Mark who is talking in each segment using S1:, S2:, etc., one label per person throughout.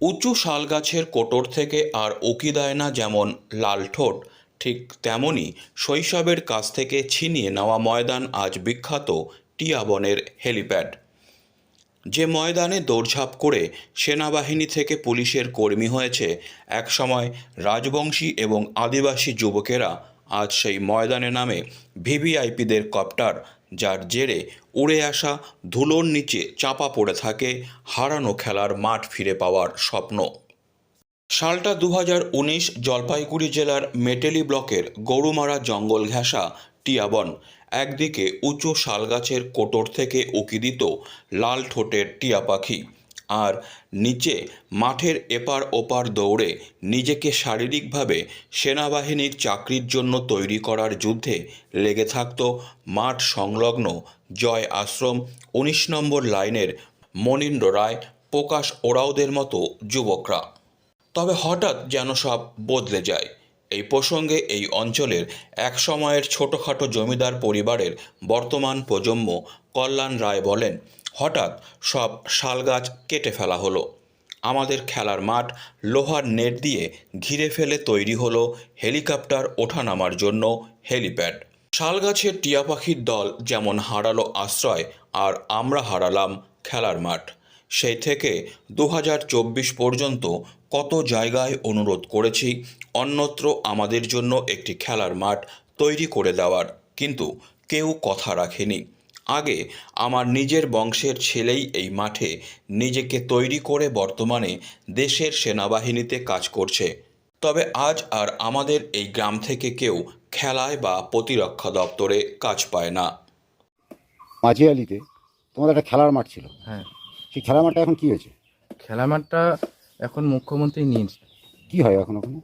S1: উঁচু শালগাছের কোটর থেকে আর উকি দেয় না যেমন লাল ঠোঁট, ঠিক তেমনই শৈশবের কাছ থেকে ছিনিয়ে নেওয়া ময়দান আজ বিখ্যাত টিয়া বনের হেলিপ্যাড। যে ময়দানে দৌড়ঝাঁপ করে সেনাবাহিনী থেকে পুলিশের কর্মী হয়েছে একসময় রাজবংশী এবং আদিবাসী যুবকেরা, আজ সেই ময়দানে নামে ভিভিআইপিদের কপ্টার, যার জেরে উড়ে আসা ধুলোর নিচে চাপা পড়ে থাকে হারানো খেলার মাঠ ফিরে পাওয়ার স্বপ্ন। সালটা 2019। জলপাইগুড়ি জেলার মেটেলি ব্লকের গরুমারা জঙ্গল ঘেঁষা টিয়াবন। একদিকে উঁচু শালগাছের কোটর থেকে উকি দিত লাল ঠোঁটের টিয়া পাখি, আর নিচে মাঠের এপার ওপার দৌড়ে নিজেকে শারীরিকভাবে সেনাবাহিনীর চাকরির জন্য তৈরি করার যুদ্ধে লেগে থাকত মাঠ সংলগ্ন জয় আশ্রম 19 নম্বর লাইনের মনীন্দ্র রায়, প্রকাশ ওরাওদের মতো যুবকরা। তবে হঠাৎ যেন সব বদলে যায়। এই প্রসঙ্গে এই অঞ্চলের এক সময়ের ছোটোখাটো জমিদার পরিবারের বর্তমান প্রজন্ম কল্যাণ রায় বলেন, হঠাৎ সব শালগাছ কেটে ফেলা হলো। আমাদের খেলার মাঠ লোহার নেট দিয়ে ঘিরে ফেলে তৈরি হলো হেলিকপ্টার ওঠানামার জন্য হেলিপ্যাড। শালগাছের টিয়া পাখির দল যেমন হারালো আশ্রয়, আর আমরা হারালাম খেলার মাঠ। সেই থেকে 2024 পর্যন্ত কত জায়গায় অনুরোধ করেছি অন্যত্র আমাদের জন্য একটি খেলার মাঠ তৈরি করে দেওয়ার, কিন্তু কেউ কথা রাখেনি। আগে আমার নিজের বংশের ছেলেই এই মাঠে নিজেকে তৈরি করে বর্তমানে দেশের সেনাবাহিনীতে কাজ করছে। তবে আজ আর আমাদের এই গ্রাম থেকে কেউ খেলায় বা প্রতিরক্ষা দপ্তরে কাজ পায় না।
S2: মাঝিয়ালিতে তোমাদের একটা খেলার মাঠ ছিল,
S3: হ্যাঁ,
S2: সেই খেলার মাঠটা এখন কি হয়েছে?
S3: খেলার মাঠটা এখন মুখ্যমন্ত্রী নিয়েছে।
S2: কি হয় এখন ওখানে?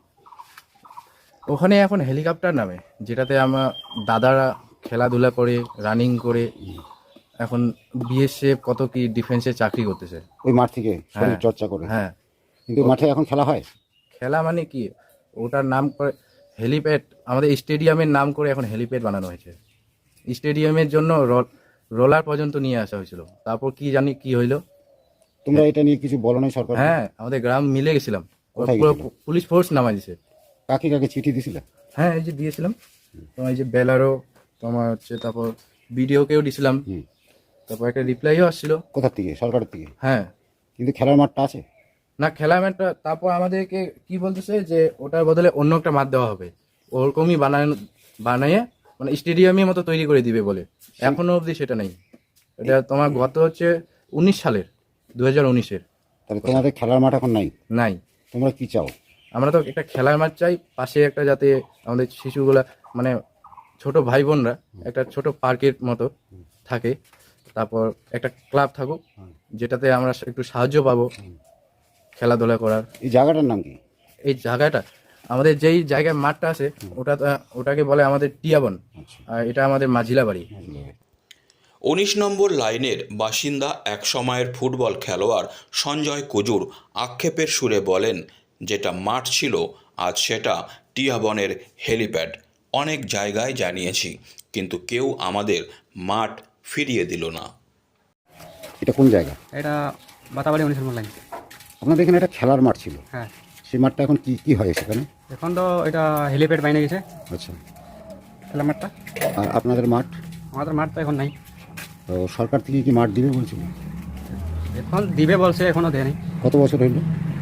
S3: ওখানে এখন হেলিকপ্টার নামে, যেটাতে আমার দাদারা খেলাধুলা করে, রানিং করে, এখন বিএসএফ কত কি ডিফেন্সে চাকরি করতেছে
S2: ওই মাঠ থেকে শরীর
S3: হ্যাঁ,
S2: চর্চা করে।
S3: হ্যাঁ।
S2: কিন্তু মাঠে এখন খেলা হয়?
S3: খেলা মানে কি, ওটার নাম করে হেলিপ্যাড, আমাদের স্টেডিয়ামের নাম করে এখন হেলিপ্যাড বানানো হয়েছে। স্টেডিয়ামের জন্য রোলার পর্যন্ত নিয়ে আসা হয়েছিল, তারপর কি জানি কি হইলো।
S2: তোমরা এটা নিয়ে কিছু বলো নাই সরকার?
S3: হ্যাঁ, আমাদের গ্রাম মিলে গেছিলাম,
S2: কোথায়
S3: পুরো
S2: গেছিলে?
S3: পুলিশ ফোর্স নামাই দিছে।
S2: কাকে কাকে চিঠি দিছিলে?
S3: হ্যাঁ, এই যে দিয়েছিলাম তোমার, এই যে বেলারও তোমার হচ্ছে, তারপর ভিডিওকেও দিয়েছিলাম,
S2: হুম।
S3: তারপর একটা রিপ্লাইও আসছিল।
S2: কোথার থেকে? সরকারের থেকে?
S3: হ্যাঁ।
S2: কিন্তু খেলার মাঠটা আছে
S3: না, খেলা ম্যাটটা তারপর আমাদেরকে কি বলতেছে যে ওটার বদলে অন্য একটা মাঠ দেওয়া হবে, ওরকমই বানিয়ে মানে স্টেডিয়ামের মতো তৈরি করে দিবে বলে। এখনো অবধি সেটা নেই। এটা তোমার গত হচ্ছে 19 সালের, 2019-এর।
S2: তাহলে তোমাদের খেলার মাঠ এখন নাই?
S3: নাই।
S2: তোমরা কি চাও?
S3: আমরা তো একটা খেলার মাঠ চাই, পাশে একটা, যাতে আমাদের শিশুগুলা মানে ছোট ভাই বোনরা একটা ছোট পার্কের মতো থাকে, তারপর একটা ক্লাব থাকুক যেটাতে আমরা একটু সাহায্য পাবো খেলাধুলা করার।
S2: এই জায়গাটার নাম কি?
S3: এই জায়গাটা, আমাদের যেই জায়গায় মাঠটা আছে ওটাকে বলে আমাদের টিয়াবন, আর এটা আমাদের মাঝিলা বাড়ি।
S1: 19 নম্বর লাইনের বাসিন্দা এক সময়ের ফুটবল খেলোয়াড় সঞ্জয় কুজুর আক্ষেপের সুরে বলেন, যেটা মাঠ ছিল আজ সেটা টিয়াবনের হেলিপ্যাড। অনেক জায়গায় জানিয়েছি, কিন্তু কেউ আমাদের মাঠ ফিরিয়ে দিল না।
S2: এটা কোন জায়গা?
S4: এটা বাতাবাড়ি 19 নম্বর লাইন।
S2: আপনাদের এখানে একটা খেলার মাঠ ছিল,
S4: হ্যাঁ,
S2: সেই মাঠটা এখন কি কি হয় সেখানে?
S4: এখন তো এটা হেলিপ্যাড বাইনে গেছে
S2: আচ্ছা।
S4: খেলার মাঠটা।
S2: আর আপনাদের মাঠ?
S4: আমাদের মাঠ তো এখন নাই।
S2: তো সরকার থেকে কি মাঠ দিবে বলছিল?
S4: এখন দিবে বলছে, এখনও দেয়নি।
S2: কত বছর হইল?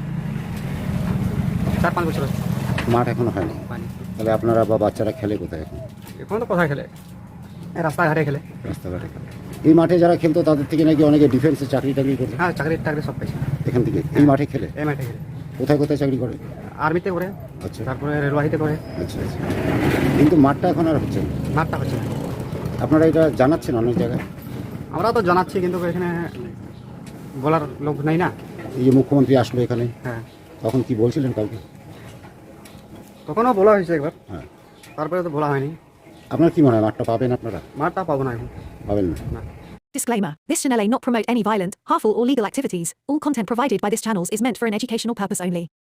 S4: 4-5 বছর হচ্ছে
S2: মাঠ এখনো হয়নি।
S4: পানি।
S2: তাহলে আপনারা বা বাচ্চারা খেলে কোথায় এখন?
S4: এখন তো কোথায় খেলে, রাস্তাঘাটে খেলে।
S2: রাস্তাঘাটে খেলে। এই মাঠে যারা খেলতো তাদের থেকে নাকি অনেকে ডিফেন্সে চাকরি টাকরি করতো
S4: হ্যাঁ, চাকরি টাকরি সব পাইছে
S2: এখান থেকে। এই মাঠে খেলে
S4: এই মাঠে খেলে।
S2: কোথায় কোথায় চাকরি করে?
S4: আর্মিতে করে,
S2: আচ্ছা
S4: তারপরে রেলওয়াহিতে করে।
S2: আচ্ছা আচ্ছা। কিন্তু মাঠটা এখন আর হচ্ছে না।
S4: মাঠটা হচ্ছে না।
S2: আপনারা এটা জানাচ্ছেন অনেক জায়গায়?
S4: আমরা তো জানাচ্ছি, কিন্তু এখানে বলার লোক নাই না।
S2: এই যে মুখ্যমন্ত্রী আসলো এখানে,
S4: হ্যাঁ,
S2: তখন কি বলছিলেন কাউকে?
S4: তখনও বলা হয়েছে একবার,
S2: হ্যাঁ।
S4: তারপরে তো বলা হয়নি।
S2: আপনার কি মনে হয় মাঠটা পাবেন আপনারা?
S4: মাঠটা পাবো না এখন।
S2: পাবেন না?
S5: Disclaimer. This channel may not promote any violent, harmful or legal activities. All content provided by this channel is meant for an educational purpose only.